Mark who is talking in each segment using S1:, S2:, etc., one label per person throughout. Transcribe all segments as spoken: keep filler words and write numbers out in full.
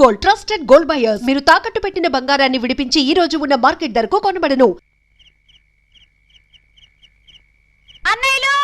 S1: Gold trusted gold buyers. మీరు తాకట్టు పెట్టిన బంగారాన్ని విడిపించి ఈ రోజు ఉన్న మార్కెట్ ధరకు కొనబడను.
S2: అన్నయ్యలు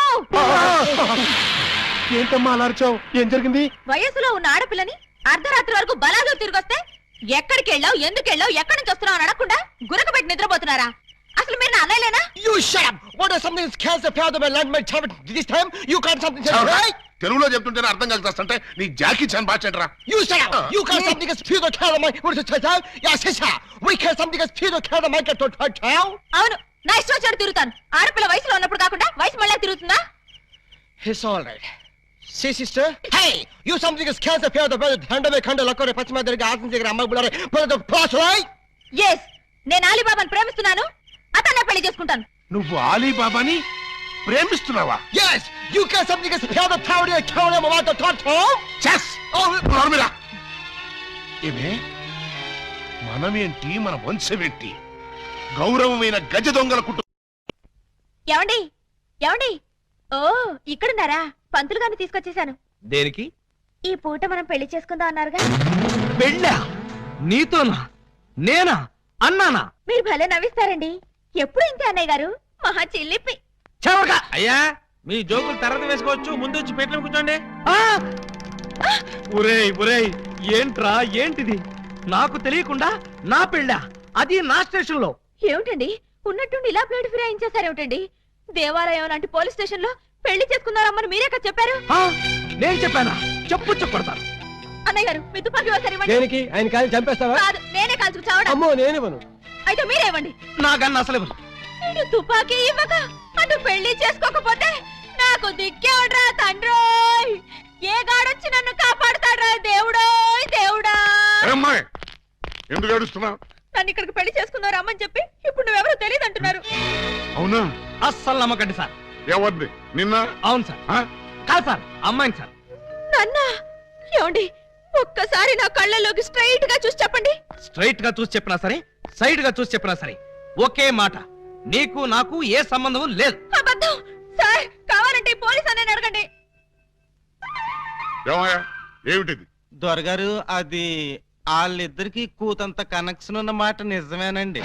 S3: ఏంటమ్మా అలర్చావు? ఏం జరిగింది?
S2: వయసులో ఉన్న ఆడపిల్లని అర్ధరాత్రి వరకు బలాలు తిరిగొస్తే ఎక్కడికి వెళ్ళావు, ఎందుకు వెళ్ళావు, ఎక్కడి నుంచి వస్తున్నావు అని అడగకుండా గురక పెట్టి నిద్రపోతున్నారా? అసలు మీరు నా అన్నయ్యలేనా?
S4: You shut up! What is something that scares the fear of my land, my child? This time you can't something say right?
S3: తెలుగులో చెప్తుంటేనే అర్థం కలిసి నీ జాకీ చాన్ బాచెంట్రా.
S4: You shut up! You can't something that fear the fear of my what is it child? Yeah, sister. We can't something that fear the fear of my get to child.
S2: అవును, నా ఇష్టం వచ్చాడు తిరుగుతాను. ఆడపిల్ల వయసులో ఉన్నప్పుడు కాకుండా వయసు మళ్ళీ తిరుగుతుందా?
S4: It's all right. See, sister? Hey! You something that scares the fear of the brother. Hand me kanda lakore pachima derga asan దగ్గర అమ్మ బులారే. Brother the plus right?
S2: Yes, నేను అలీబాబాని ప్రేమిస్తున్నాను. అతన్నే పెళ్లి చేసుకుంటాను.
S3: నువ్వు అలీబాబాని ప్రేమిస్తున్నావా?
S4: Yes! You can't something that fear the power of count of what the thought of?
S3: Chess. ఓ నర్మిరా. ఏమే మనమేంటి, మన వంశమేంటి? గౌరవమైన గజ దొంగల కుటుంబం.
S2: ఏమండి ఏమండి ఓ ఇక్కడున్నారా? పంతులు గారిని తీసుకొచ్చేసాను.
S5: దేనికి?
S2: ఈ పూట మనం పెళ్లి చేసుకుందాం అన్నారుగా.
S5: పెళ్ళా? నీతోనా? నేనా? అన్నానా?
S2: మీరు భలే నవ్విస్తారండి. ఎప్పుడు ఇంతే అన్నయ్య గారు, మహా చిల్లిపి.
S5: చవక అయ్యా, మీ జోకులు తర్వాత వేసుకోవచ్చు, ముందు వచ్చి పెట్లు కూర్చోండి. ఒరేయ్ ఒరేయ్, ఏంట్రా ఏంటిది? నాకు తెలియకుండా నా పెళ్ళా, అది నా స్టేషన్ లో.
S2: ఏమిటండి ఉన్నట్టుండి ఇలా ప్లేట్ ఫిరాయించేశారేమిటండి? దేవాలయం లాంటి పోలీస్ స్టేషన్ లో పెళ్లి చేసుకున్నారమ్మని మీరే కదా చెప్పారు.
S5: నేను చెప్పానా? చెప్పు చెప్పడతాను.
S2: అన్నయ్య గారు మీ తుపాకీ ఒకసారి ఇవ్వండి.
S4: దేనికి? ఆయన కాలి చంపేస్తావా?
S2: కాదు, నేనే కాల్చుకు చావడం.
S4: అమ్మో నేనివ్వను.
S2: అయితే మీరే ఇవ్వండి.
S5: నాకన్నా అసలు ఇవ్వను.
S2: నేను తుపాకీ ఇవ్వక అటు పెళ్లి చేసుకోకపోతే నాకు దిక్కేవడ్రా తండ్రోయ్. ఏ గాడొచ్చి నన్ను కాపాడుతాడ్రా దేవుడోయ్ దేవుడా.
S3: అమ్మాయి ఎందుకు ఏడుస్తున్నావు?
S2: నన్ను ఇక్కడికి పెళ్లి చేసుకున్నారు అమ్మని చెప్పి ఇప్పుడు నువ్వెవరో తెలియదు అంటున్నారు.
S3: అవునా?
S5: అస్సలు నమ్మకండి సార్.
S3: ఎవరిది? నిన్న?
S5: అవును సార్. కాదు సార్, అమ్మాయిని సార్.
S2: నన్నా? ఏమండి ఒక్కసారి నా కళ్ళలోకి స్ట్రైట్ గా చూసి చెప్పండి.
S5: స్ట్రైట్ గా చూసి చెప్పినా సరే, సైడ్ గా చూసి చెప్పినా సరే ఒకే మాట, నీకు నాకు ఏ సంబంధం లేదు.
S2: అబద్ధం సార్. కావాలంటే పోలీస్ అనే అడగండి.
S3: ఏమిటిది?
S6: దొరగారు, అది వాళ్ళిద్దరికి కూతంత కనెక్షన్ ఉన్న మాట నిజమేనండి.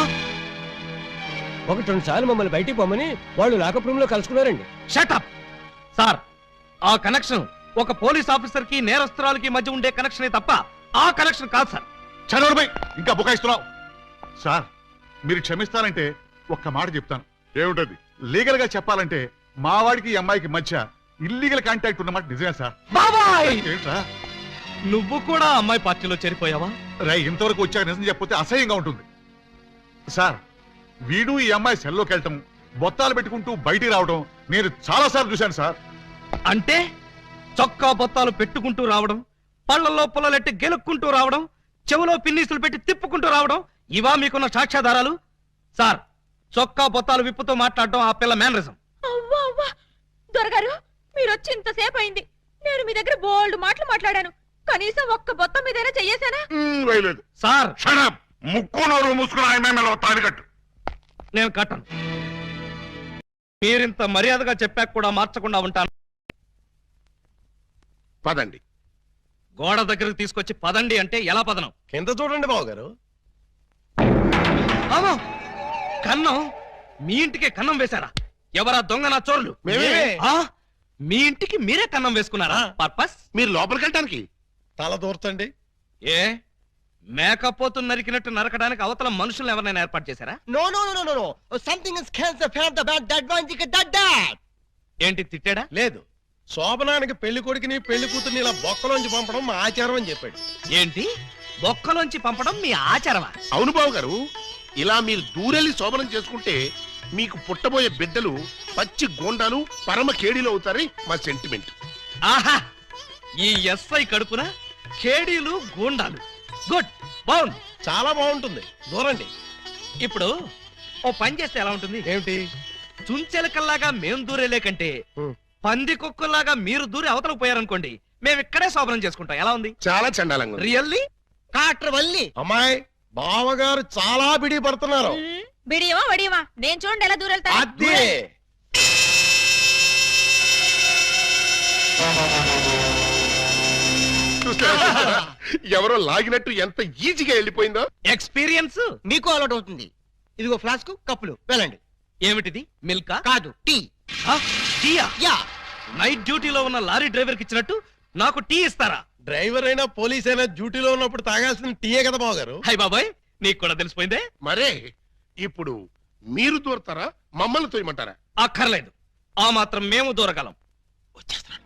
S4: ఒకటి రెండు సార్లు మమ్మల్ని బయటికి పోమని వాళ్ళు లాకప్ రూమ్ లో కలుసుకున్నారండి.
S5: Shut up sir. ఆ కనెక్షన్ ఒక పోలీస్ ఆఫీసర్ కి నేరస్తురాలకి మధ్య ఉండే కనెక్షనే తప్ప ఆ కనెక్షన్ కాదు సార్.
S3: చదవడమై ఇంకా బుకాయిస్తున్నావు. సార్ మీరు క్షమిస్తానంటే ఒక్క మాట చెప్తాను. ఏమిటది? లీగల్ గా చెప్పాలంటే మా వాడికి ఈ అమ్మాయికి మధ్య ఇల్లీగల్ కాంటాక్ట్ ఉన్నమాట నిజమే సార్.
S5: బాబాయ్,
S3: ఏంట్రా
S5: నువ్వు కూడా అమ్మాయి పార్టీలో చేరిపోయావా?
S3: రై ఇంతవరకు వచ్చాక నిజం చెప్పితే అసహ్యంగా ఉంటుంది సార్. వీడు ఈ అమ్మాయి సెల్లోకి వెళ్ళటం, బొత్తాలు పెట్టుకుంటూ బయటికి రావడం నేను చాలా సార్లు చూశాను సార్.
S5: అంటే చొక్కా బొత్తాలు పెట్టుకుంటూ రావడం, పళ్ళల్లో పుల్లలెట్టి గెలుక్కుంటూ రావడం, చెవులో పిన్నీసులు పెట్టి తిప్పుకుంటూ రావడం, ఇవా మీకున్న సాక్ష్యాధారాలు? సార్, చొక్కా బొత్తాలు విప్పుతో మాట్లాడడం ఆ పిల్ల మేనరిజం.
S2: అవ్వా అవ్వా దొరగారు, మీరు వచ్చి ఇంతసేపు అయింది. నేను మీ దగ్గర బోల్డ్ మాటలు మాట్లాడాను. కనీసం ఒక్క బొత్తం మీదైనా చెయ్యేశానా?
S5: సార్
S3: ముక్కు నోరు మూసుకుని ఆయన తాళి కట్టు.
S5: నేను కట్టను. మీరింత మర్యాదగా చెప్పాక కూడా మార్చకుండా ఉంటాను.
S3: పదండి.
S5: గోడ దగ్గరకు తీసుకొచ్చి పదండి అంటే ఎలా పదనం?
S4: కింద చూడండి బాబు గారు.
S5: కన్నం? మీ ఇంటికే కన్నం వేశారా? ఎవరా దొంగ నా చోర్లు? మీ ఇంటికి మీరే కన్నం వేసుకున్నారా? పర్పస్?
S3: మీరు లోపలికి వెళ్ళటానికి.
S4: తల దూర్తండి.
S5: ఏ మేకపోతు నరికినట్టు నరకడానికి అవతల మనుషులను ఎవరైనా ఏర్పాటు చేశారా?
S4: No no no no no. Something is cans the fan the bad that one the that that.
S5: ఏంటి తిట్టాడా?
S4: లేదు, శోభనానికి పెళ్లి కొడుకుని పెళ్లి కూతుర్ని ఇలా బొక్కలోంచి పంపడం మా ఆచారం అని చెప్పాడు.
S5: ఏంటి బొక్కలోంచి పంపడం మీ ఆచారమా?
S3: అవును బాబు గారు, ఇలా మీరు దూరెళ్ళి శోభనం చేసుకుంటే మీకు పుట్టబోయే బిడ్డలు పచ్చి గోండాలు పరమ కేడీలు అవుతారని మా సెంటిమెంట్.
S5: ఆహా, ఈ ఎస్ఐ కడుపున కేడీలు గూండాలు. గుడ్, బాగుంది,
S4: చాలా బాగుంటుంది. దూరండి.
S5: ఇప్పుడు ఓ పని చేస్తే ఎలా ఉంటుంది?
S4: ఏమిటి?
S5: చుంచెలకల్లాగా మేం దూరేలే కంటే పంది కుక్కల్లాగా మీరు దూరి అవతలకు పోయారనుకోండి, మేము ఇక్కడే శోభనం చేసుకుంటాం. ఎలా ఉంది?
S3: చాలా చండాలంగా.
S5: రియల్లీ?
S4: కాట్ర వల్లి అమ్మాయి బావగారు చాలా బిడి పడుతున్నారు.
S2: బిడియమా వడియమా నేను చూడండి ఎలా దూరెళ్తా.
S4: అదే
S7: చూస్తే ఎవరో లాగినట్టు ఎంత ఈజీగా వెళ్ళిపోయిందో.
S5: ఎక్స్పీరియన్స్
S4: మీకు అలవాటు అవుతుంది. ఇదిగో ఫ్లాస్క్ కప్పులు వెళ్ళండి.
S5: ఏమిటిది? మిల్కా?
S4: కాదు టీ.
S5: ఆ, టీయా?
S4: యా.
S5: నైట్ డ్యూటీలో ఉన్న లారీ డ్రైవర్ కి ఇచ్చినట్టు నాకు టీ ఇస్తారా?
S8: డ్రైవర్ అయినా పోలీస్ అయినా డ్యూటీలో ఉన్నప్పుడు తాగాల్సిన టీయే కదా బావగారు.
S5: హై బాబాయ్, నీకు కూడా తెలిసిపోయిందే.
S7: మరే ఇప్పుడు మీరు దూరతారా మమ్మల్ని తోయమంటారా?
S5: అక్కర్లేదు, ఆ మాత్రం మేము దూరగలం.
S7: వచ్చేస్తున్నాను.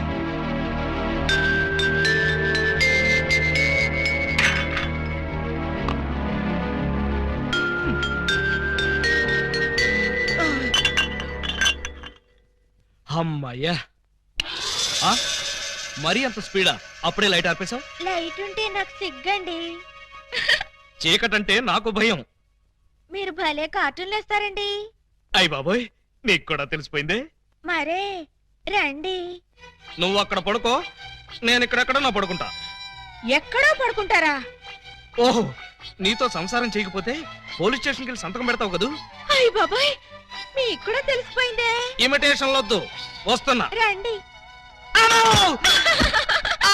S5: అమ్మయ్యా. ఆ, మరీ అంత స్పీడా? అప్పుడే లైట్ ఆపేశావు?
S2: లైట్ ఉంటే నాకు సిగ్గండి.
S5: చీకటంటే నాకు భయం.
S2: మీరు భలే కార్టూన్లు వేస్తారండి.
S5: అయ్ బాబోయ్, నీకు కూడా తెలిసిపోయిందే.
S2: మరే రండి.
S5: నువ్వు అక్కడ పడుకో, నేను ఇక్కడెక్కడ నా పడుకుంటా.
S2: ఎక్కడో పడుకుంటారా?
S5: ఓహో, నీతో సంసారం చేయకపోతే పోలీస్ స్టేషన్కి వెళ్ళి సంతకం పెడతావు కదూ.
S2: అయ్య బాబాయ్, మీకు కూడా తెలిసిపోయిందే.
S5: ఇమిటేషన్ వద్దు, వస్తున్నా.
S2: రండి.
S5: అమ్మో! ఆ!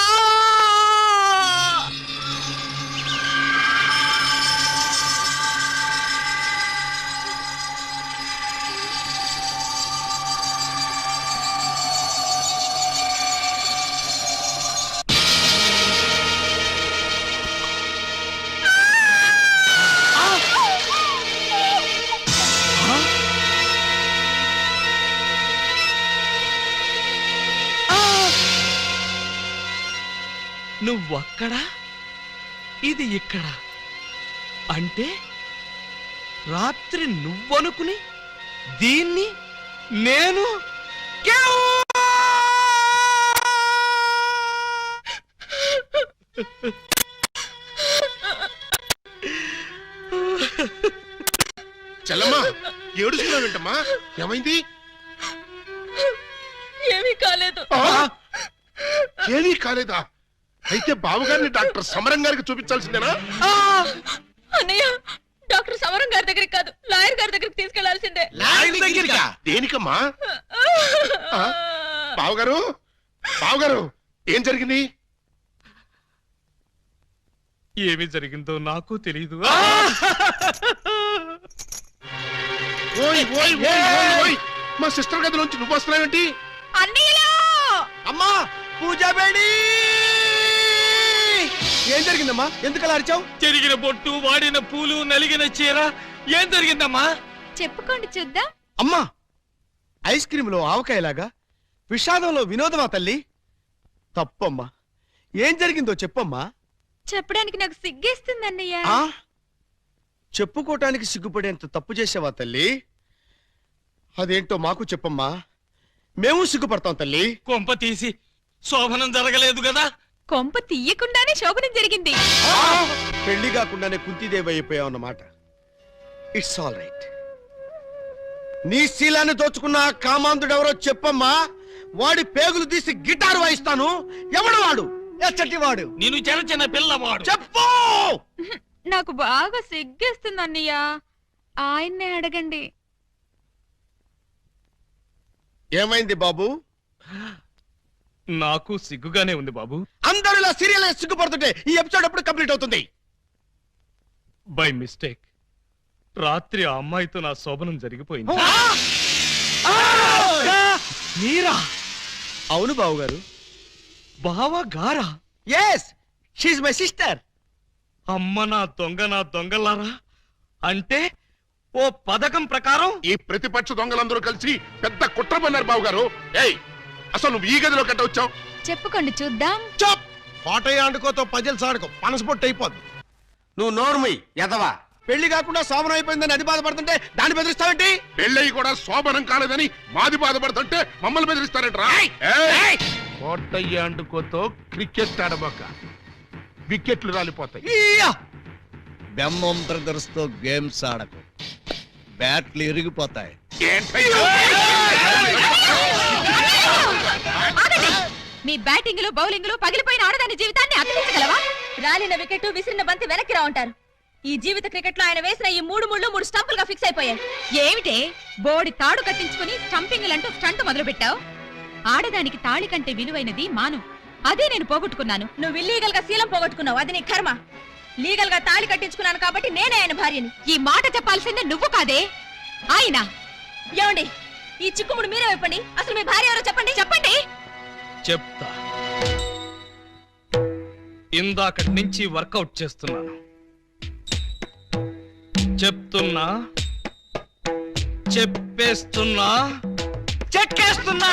S5: నువ్వక్కడా, ఇది ఇక్కడ. అంటే రాత్రి నువ్వనుకుని దీన్ని నేను
S7: చెల్లమ్మా, ఏడుస్తున్నావేంటమ్మా? ఏమైంది?
S2: ఏమీ కాలేదు.
S7: ఆ? ఏమీ కాలేదా? అయితే బావగారిని డాక్టర్ సమరం గారికి చూపించాల్సిందేనా?
S2: అన్నయ్య, డాక్టర్ సమరం గారి దగ్గరికి కాదు, లాయర్ గారి దగ్గరికి తీసుకెళ్లాల్సిందే.
S7: దేనికమ్మా? ఆ? బావగారు, బావగారు, ఏం జరిగింది?
S5: ఏమి జరిగిందో నాకు తెలియదు.
S7: ఓయ్ ఓయ్ ఓయ్ ఓయ్ ఓయ్, మా సిస్టర్ గదిలోంచి నువ్వు వస్తున్నావేంటి?
S2: అన్నయ్యలో
S4: అమ్మా పూజా బేడి. ఏం జరిగిందమ్మా? ఎందుకలా అరిచావు?
S5: చెరిగిన బొట్టు, వాడిన పూలు, నలిగిన చీర. ఏం జరిగిందమ్మా?
S2: చెప్పుకోండి చూద్దాం.
S4: అమ్మా, ఐస్ క్రీమ్ లో ఆవకాయలాగా విషాదంలో వినోదమా తల్లి? తప్పమ్మా, ఏం జరిగిందో చెప్పమ్మా.
S2: చెప్పడానికి నాకు సిగ్గేస్తుంది అన్నయ్య.
S4: ఆ చెప్పుకోటానికి సిగ్గుపడేంత తప్పు చేసావా తల్లి? అదేంటో మాకు చెప్పమ్మా, మేము సిగ్గుపడతాం తల్లి.
S5: కొంప తీసి శోభనం జరగలేదు కదా?
S2: కొంప తీయకుండానే శోభనం జరిగింది.
S4: పెళ్లి కాకుండానే కుంతిదేవి అయిపోయావు అన్నమాట. It's all right. నీ శీలాన్ని దోచుకున్న ఆ కామాంధుడెవరో చెప్పమ్మా. వాడి పేగులు తీసి గిటారు వాయిస్తాను. ఎవడు వాడు? ఎచ్చటి వాడు?
S5: నేను చిన్న చిన్న పిల్లవాడు.
S4: చెప్పు.
S2: నాకు బాగా సిగ్గేస్తుంది అన్నయ్య, ఆయన్నే అడగండి.
S4: ఏమైంది బాబు?
S5: నాకు సిగ్గుగానే ఉంది బాబు.
S4: అందరూ ఇలా సీరియల్ సిగ్గుపడుతుంటే ఈ ఎపిసోడ్ ఎప్పుడు కంప్లీట్ అవుతుంది?
S5: బై మిస్టేక్ రాత్రి ఆ అమ్మాయితో నా శోభనం జరిగిపోయింది. మీరా?
S4: అవును బాబు గారు.
S5: బావా గారా?
S4: Yes, she my sister.
S5: అమ్మ నా దొంగ, నా దొంగలారా. అంటే ఓ పథకం ప్రకారం
S7: ఈ ప్రతిపక్ష దొంగలందరూ కలిసి పెద్ద కుట్ర పన్నారు బావగారు. ఏయ్, అసలు నువ్వు ఈ గదిలో కట్ట వచ్చావు?
S2: చెప్పుకోండి చూద్దాం.
S8: చప్ పాటయ్య ఆడుకోతో పజల్స్ ఆడుకో, పనసపొట్టు అయిపోద్ది.
S4: నువ్వు నోర్మి ఎదవా. పెళ్లి కాకుండా శోభనం అయిపోయిందని అది బాధపడుతుంటే దాన్ని బెదిరిస్తావేంటి?
S7: పెళ్ళయి కూడా శోభనం కాలేదని మాది బాధపడుతుంటే మమ్మల్ని బెదిరిస్తారంటరా? కోటయ్య అండుకోతో క్రికెట్ ఆడబోక, వికెట్లు రాలిపోతాయి.
S8: బెమ్మం బ్రదర్స్ తో గేమ్స్ ఆడకు, బ్యాట్లు ఇరిగిపోతాయి.
S7: ఏంటయ్యా?
S2: మీ బ్యాటింగ్ లో బౌలింగ్ లో పగిలిపోయిన ఆడదాని జీవితాన్ని అతికించగలవా? రాలిన వికెట్, విసిరిన బంతి వెనక్కి రా ఉంటారు. ఈ జీవిత క్రికెట్ లో ఆయన వేసిన ఈ మూడు ముళ్ళు మూడు స్టంపులుగా ఫిక్స్ అయిపోయాయి. ఏమిటే బోడి తాడు కట్టించుకుని స్టంపింగ్ అంటూ స్టంట్ మొదలు పెట్టావు? ఆడదానికి తాళి కంటే విలువైనది మాను. అదే నేను పోగొట్టుకున్నాను. నువ్వు ఇల్లీగల్ గా శీలం పోగొట్టుకున్నావు, అది నీ కర్మ. లీగల్ గా తాళి కట్టించుకున్నాను కాబట్టి నేనే ఆయన భార్యని. ఈ మాట చెప్పాల్సిందే నువ్వు కాదే ఆయన. ఏమండి, ఈ చిక్కుముడు మీరే చెప్పండి. అసలు మీ భార్య ఎవరో చెప్పండి. చెప్పండి.
S5: చెప్తా. ఇందాకటి నుంచి వర్కౌట్ చేస్తున్నాను. చెప్తున్నా, చెప్పేస్తున్నా, చెక్కేస్తున్నా.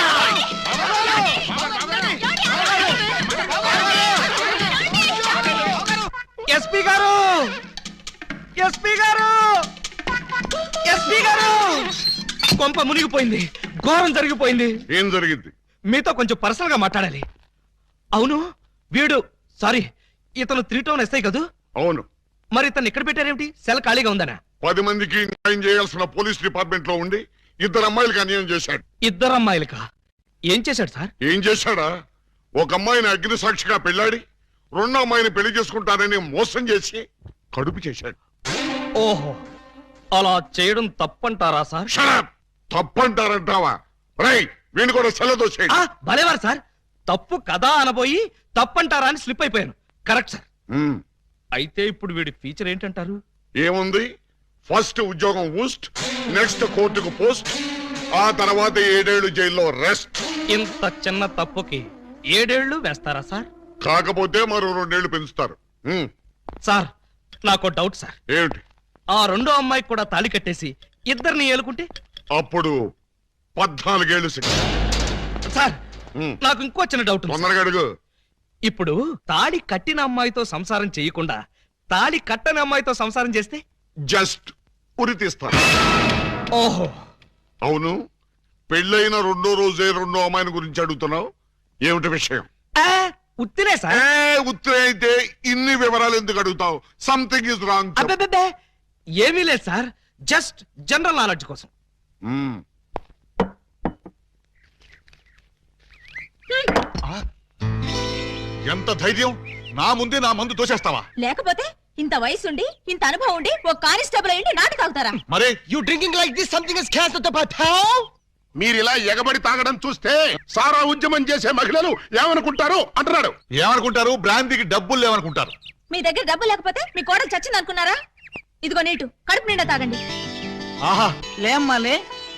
S5: ఎస్పీ గారు, ఎస్పీ గారు, ఎస్పీ గారు, కొంప మునిగిపోయింది, ఘోరం జరిగిపోయింది.
S3: ఏం జరిగింది?
S5: మీతో కొంచెం పర్సనల్ గా మాట్లాడాలి. అవును, వీడు సారీ ఇతను త్రీ టౌన్ ఎస్ఐ కదూ?
S3: అవును.
S5: మరి ఇతను ఇక్కడ పెట్టారేమిటి? సెల్ ఖాళీగా ఉందనా?
S3: పది మందికి న్యాయం చేయాల్సిన పోలీస్ డిపార్ట్మెంట్ లో ఉండి ఇద్దరు అమ్మాయిలకు అన్యాయం చేశాడు.
S5: ఇద్దరు అమ్మాయిలకా? ఏం చేశాడు సార్?
S3: ఏం చేశాడా? ఒక అమ్మాయిని అగ్ని సాక్షిగా పెళ్ళాడి రెండో అమ్మాయిని పెళ్లి చేసుకుంటానని మోసం చేసి కడుపు చేశాడు.
S5: ఓహో, అలా చేయడం తప్పంటారా సార్?
S3: షడప్! తప్పంటారంటావా? రై, వీణు కూడా సెలవు చేయండి.
S5: ఆ, భలేవారు సార్. తప్పు కదా అనబోయి తప్పంటారా అని స్లిప్ అయిపోయాను. Correct sir.
S3: ఉమ్,
S5: అయితే ఇప్పుడు వీడి ఫీచర్ ఏంటంటారు?
S3: ఏముంది? ఫస్ట్ ఉద్యోగం ఊస్ట్, నెక్స్ట్ కోర్టుకు పోస్ట్, ఆ తర్వాత ఏడేళ్లు జైల్లో రెస్ట్.
S5: ఇంత చిన్న తప్పుకి ఏడేళ్లు వేస్తారా సార్?
S3: కాకపోతే మరో రెండేళ్లు పెంచుతారు. ఉమ్,
S5: సార్, నాకు డౌట్ సార్.
S3: ఏమిటి?
S5: ఆ రెండో అమ్మాయికి కూడా తాళి కట్టేసి ఇద్దరిని ఏలుకుంటే?
S3: అప్పుడు పద్నాలుగేళ్లు శిక్ష.
S5: సార్,
S3: ఉమ్,
S5: నాకు ఇంకో చిన్న డౌట్ ఉంది సార్.
S3: తొందరగా అడుగు.
S5: ఇప్పుడు తాళి కట్టిన అమ్మాయితో సంసారం చేయకుండా తాళి కట్టని అమ్మాయితో సంసారం చేస్తే?
S3: జస్ట్ ఉరి తీస్తారు.
S5: ఓహో,
S3: అవును, పెళ్ళైన రెండో రోజే రెండో అమ్మాయిని గురించి అడుగుతున్నావు. ఏమిటి విషయం?
S5: ఆ, ఉత్తినే సార్.
S3: ఏ ఉత్తరే అయితే ఇన్ని వివరాలు ఎందుకు అడుగుతావు? Something is wrong.
S5: అబ్బే, ఏమీ లేదు సార్, జస్ట్ జనరల్ నాలెడ్జ్ కోసం.
S3: ఎంత ధైర్యం! నా ముందే నా మందు తోసేస్తావా?
S2: లేకపోతే ఇంత వయసుండి ఇంత అనుభవం ఉండి ఒక కానిస్టేబుల్ అయ్యండి నాటి తాగుతారా?
S3: మరే
S4: you drinking like this something is cancer to పటావ్.
S7: మీరు ఇలా ఎగబడి తాగడం చూస్తే సారా ఉద్యమం చేసే మహిళలు ఏమనుకుంటారు అంటున్నాడు.
S3: ఏమనుకుంటారు? బ్రాంతికి డబ్బులు లేవనుకుంటారు.
S2: మీ దగ్గర డబ్బు లేకపోతే మీ కోడలు చచ్చింది అనుకున్నారా? ఇదిగో నీటు, కడుపు నిండా తాగండి.
S3: ఆహా,
S9: లేమ్మాలే,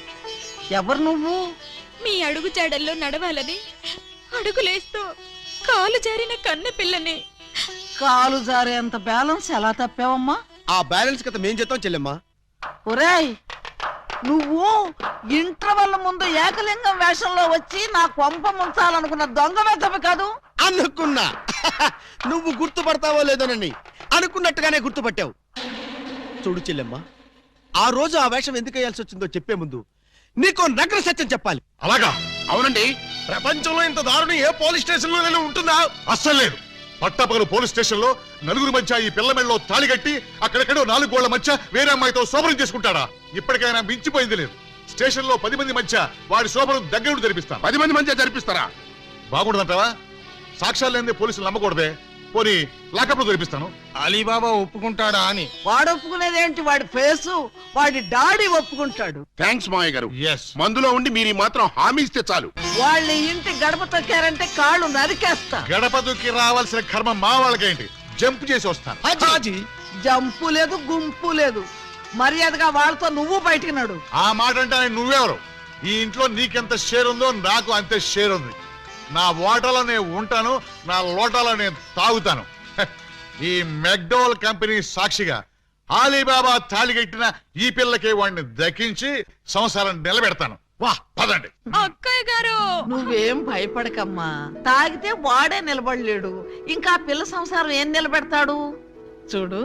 S9: ఎవరు నువ్వు?
S2: మీ అడుగు జాడల్లో నడవాలని అడుగులేస్తూ కాలు జారిన కన్నె పిల్లని.
S9: కాలు జారేంత బ్యాలెన్స్ ఎలా తప్పావమ్మా?
S4: ఆ బ్యాలెన్స్ కథ మేం చేద్దాం చెల్లెమ్మా.
S9: ఒరేయ్, నువ్వు ఇంటర్వెల్ ముందు ఏకలింగం వేషంలో వచ్చి నా కొంప ముంచాలనుకున్న దొంగ వెతవి కాదు?
S4: అనుకున్నా నువ్వు గుర్తుపడతావో లేదోనని. అనుకున్నట్టుగానే గుర్తుపట్టావు. చూడు చెల్లెమ్మా, ఆ రోజు ఆ వేషం ఎందుకు వేయాల్సి వచ్చిందో చెప్పే ముందు నీకో నగ్న సత్యం చెప్పాలి.
S3: అలాగా?
S7: అవునండి, ప్రపంచంలో ఇంత దారుణం ఏ పోలీస్ స్టేషన్ లోనే ఉంటుందా?
S3: అస్సలు లేదు. పట్టపగలు పోలీస్ స్టేషన్ లో నలుగురు మధ్య ఈ పిల్ల మెడలో తాళి కట్టి అక్కడెక్కడో నాలుగు గోళ్ల మధ్య వేరే అమ్మాయితో శోభనం చేసుకుంటాడా? ఇప్పటికైనా మించిపోయింది లేదు. స్టేషన్ లో పది మంది మధ్య వాడి శోభనం దగ్గర జరిపిస్తాను.
S7: పది మంది మధ్య జరిపిస్తారా?
S3: బాగుండదంటావా? సాక్ష్యాలు లేనిదే పోలీసులు నమ్మకూడదే. పోనీ లాకప్ లో జరిపిస్తాను.
S6: అలీబాబా ఒప్పుకుంటాడా అని.
S9: వాడు ఒప్పుకునేదేంటి? వాడి ఫేసు, వాడి డాడీ ఒప్పుకుంటాడు.
S7: థ్యాంక్స్ మావయ్య గారు.
S3: ఎస్.
S7: మందులో ఉండి మీరు ఈ మాత్రం హామీ ఇస్తే చాలు.
S9: వాళ్ళ ఇంటి గడప తొక్కారంటే కాళ్ళు నరికేస్తా.
S3: గడప దుక్కి రావాల్సిన కర్మ మా వాళ్ళకేంటి? జంప్ చేసి వస్తాను.
S5: హాజీ,
S9: జంపు లేదు, గుంపు లేదు. మర్యాదగా వాళ్ళతో నువ్వు బయటికి నడు.
S3: ఆ మాట అంటే నువ్వెవరు? ఈ ఇంట్లో నీకెంత షేర్ ఉందో నాకు అంతే షేర్ ఉంది. నా ఓటలో నేను ఉంటాను, నా లోటాలో నేను తాగుతాను. హ, ఈ మెక్డోల్ కంపెనీ సాక్షిగా అలీబాబా తాళిగట్టిన ఈ పిల్లకి వాడిని దక్కించి సంసారం నిలబెడతాను. వా, పదండి.
S2: అక్కయ్య గారు,
S9: నువ్వేం భయపడకమ్మా. తాగితే వాడే నిలబడలేడు, ఇంకా పిల్ల సంసారం ఏం నిలబెడతాడు? చూడు,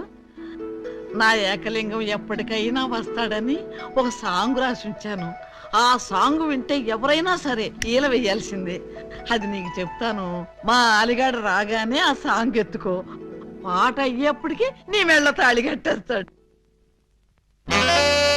S9: నా ఏకలింగం ఎప్పటికైనా వస్తాడని ఒక సాంగ్ రాసి ఉంచాను. ఆ సాంగ్ వింటే ఎవరైనా సరే ఈల వేయాల్సిందే. అది నీకు చెప్తాను. మా అలిగాడు రాగానే ఆ సాంగ్ ఎత్తుకో. పాట అయ్యేప్పటికి నీ మెళ్ళ తాళి కట్టేస్తాడు.